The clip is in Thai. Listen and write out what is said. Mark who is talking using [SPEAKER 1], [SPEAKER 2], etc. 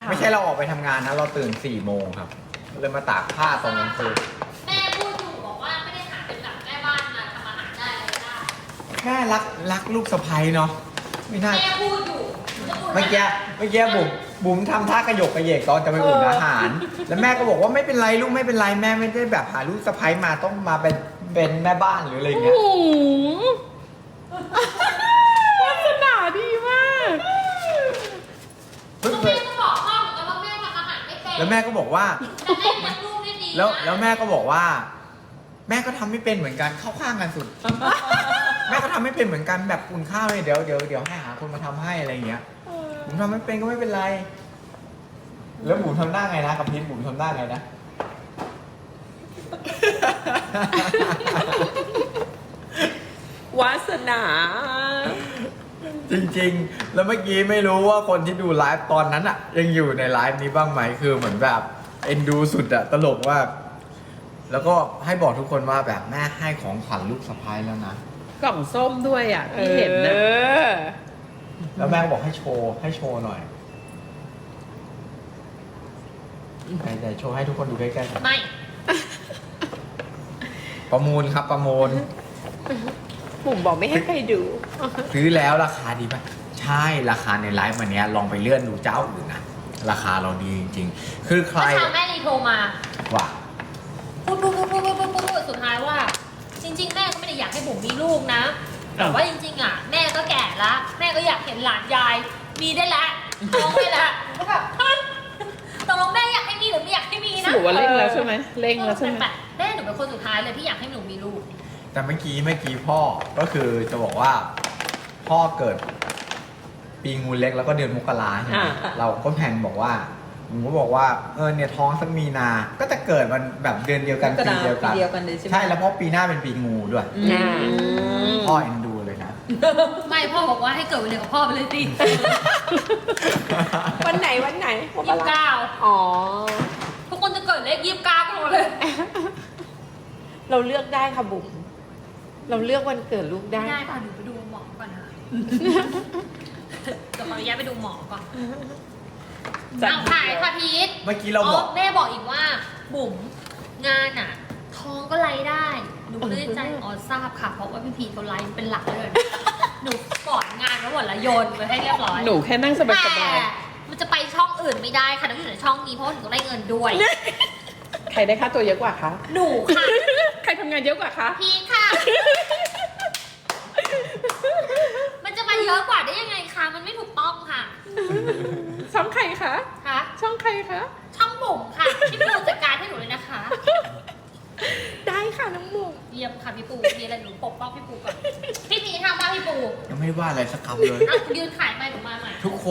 [SPEAKER 1] ไม่ใช่เราออกไปทำงานนะเราตื่น4 โมงครับเลยมาตากผ้าตอนกลางคืน
[SPEAKER 2] แม่พูดถูกบอกว่าไม่ได้หาเป็นแบบแม่บ้านมาทำอาหารได้อะไรได้
[SPEAKER 1] แค่รักลูกสะใภ้เนาะไม่น่า
[SPEAKER 2] แม่พูดอยู่จะพูด
[SPEAKER 1] เมื่อกี้บุ๋มทำท่ากระยกกระเยกตอนจะไปอุ่นอาหาร แล้วแม่ก็บอกว่าไม่เป็นไรลูกไม่เป็นไรแม่ไม่ได้แบบหาลูกสะใภ้มาต้องมาเป็นแม่บ้านหรืออะไรอย่างเงี้ย
[SPEAKER 3] วาสนาดีมาก
[SPEAKER 1] เพิ่ง
[SPEAKER 2] ก็
[SPEAKER 1] เค
[SPEAKER 2] แม่
[SPEAKER 1] ย
[SPEAKER 2] ก็บอกพ่อเหมือนกันว่าแม่ทำอาหารไม่เป็น
[SPEAKER 1] แล้วแม่ก็บอกว่า
[SPEAKER 2] แต่แม่เลี้ยงลูกได้ดี
[SPEAKER 1] แล้วแม่ก็บอกว่า แม่ก็ทำไม่เป็นเหมือนกันเข้าข้างกันสุด แม่ก็ทำไม่เป็นเหมือนกันแบบอุ่นข้าวเลยเดี๋ยวให้หาคนมาทำให้อะไรอย่างเงี้ยผมทำไม่เป็นก็ไม่เป็นไร แล้วบุ๋มทำหน้าไงนะกับพีทบุ๋มทำหน้าไงนะ
[SPEAKER 3] วาสนา
[SPEAKER 1] จริงๆ แล้วเมื่อกี้ไม่รู้ว่าคนที่ดูไลฟ์ตอนนั้นอะยังอยู่ในไลฟ์นี้บ้างไหมคือเหมือนแบบเอ็นดูสุดอะตลกมากแล้วก็ให้บอกทุกคนว่าแบบแม่ให้ของขวัญลูกสะใภ้แล้วนะ
[SPEAKER 3] กล่องส้มด้วยอ่ะที่เห็นนะ
[SPEAKER 1] แล้วแม่ก็บอกให้โชว์หน่อยไหนโชว์ให้ทุกคนดูใกล้ๆ
[SPEAKER 2] ไม่
[SPEAKER 1] ประมูลครับประมูล
[SPEAKER 3] ปุ่มบอกไม่ให้ใครดู
[SPEAKER 1] ซื้อแล้วราคาดีป่ะใช่ราคาในไลฟ์วันนี้ลองไปเลื่อนดูเจ้าอื่นนะราคาเราดีจริงๆ คือใคร
[SPEAKER 2] เมื่อเช้าแม่รีโทรมา
[SPEAKER 1] ว่า
[SPEAKER 2] พูดสุดท้ายว่า จริง ๆ แม่ก็ไม่ได้อยากให้บุ๋มมีลูกนะ แต่ว่าจริงๆอ่ะแม่ก็แก่ละแม่ก็อยากเห็นหลานยายมีได้ละท้องได้ละผมก็แบบฮะตกลงแม่อยากให้มีหรือไม่อยากให้มีนะ
[SPEAKER 3] หนูว่าเร่งแล้วใช่ไหมเร่งแล้วใช่ไหม
[SPEAKER 2] แม่หนูเป็นคนสุดท้ายเลยที่อยากให้หนูมีลูก
[SPEAKER 1] แต่เมื่อกี้พ่อก็คือจะบอกว่า พ่อเกิดปีงูเล็กแล้วก็เดือนมกราใช่ไหมเราก็แพลนบอกว่าผมก็บอกว่าเนี่ยท้องสักมีนา ก็จะเกิดมันแบบเดือนเดียวกันปีเดียวกัน
[SPEAKER 4] เลยใช่ไหม
[SPEAKER 1] ใช่แล้วเพราะปีหน้าเป็นปีงูด้วย พ่อเอ็นดูเลยนะ
[SPEAKER 2] ไม่พ่อบอกว่าให้เกิดวันเดียวกับพ่อไปเลยสิ
[SPEAKER 3] วันไหน
[SPEAKER 2] 29
[SPEAKER 3] อ๋อ
[SPEAKER 2] ทุกคนจะเกิดเลข29กันหมดเลย
[SPEAKER 3] เราเลือกได้ค่ะบุ๋มเราเลือกวันเกิดลูกได้
[SPEAKER 2] ไม่ได้ป่ะหนูไปดูหมอก่อนนะจะขออนุญาตไปดูหมอก่อน
[SPEAKER 3] จัด
[SPEAKER 2] เอาถ่ายค่ะพีท
[SPEAKER 1] เมื่อกี้เราบอก
[SPEAKER 2] แม่บอกอีกว่าบุ๋มงานอ่ะ ท้องก็ไล่ได้หนูก็เลยใจอ๋อทราบค่ะ เพราะว่าพี่พีทเขาไล่เป็นหลักเลยหนูกอดงานไว้หมดแล้วโยนไปให้เรียบร้อย
[SPEAKER 3] หนูแค่นั่งสบาย
[SPEAKER 2] แต่มันจะไปช่องอื่นไม่ได้ค่ะต้องอยู่ในช่องนี้เพราะว่าหนูต้องได้เงินด้วย
[SPEAKER 3] ๆใครได้ค่าตัวเยอะกว่าคะ
[SPEAKER 2] หนูค่ะ
[SPEAKER 3] ใครทำงานเยอะกว่าคะ
[SPEAKER 2] พีทค่ะ มันจะมาเยอะกว่าได้ยังไงคะมันไม่ถูกต้องค่ะ
[SPEAKER 3] ช่องใครคะ
[SPEAKER 2] คะ
[SPEAKER 3] ช่องใครคะ
[SPEAKER 2] ช่องบุ๋มค่ะพี่ปูจัดการให้หนูเลยนะคะ
[SPEAKER 3] ได้ค่ะน้องบุ๋ม
[SPEAKER 2] เยี่ยมค่ะพี่ปูมีอะไรหนูปกป้องพี่ปูก่อนพี่พีทำว่าพี่ปู
[SPEAKER 1] ยังไม่ได้ว่าอะไรสักคำเลย
[SPEAKER 2] อ่ะยืนขายไปหนูมาใหม่
[SPEAKER 1] ทุกคน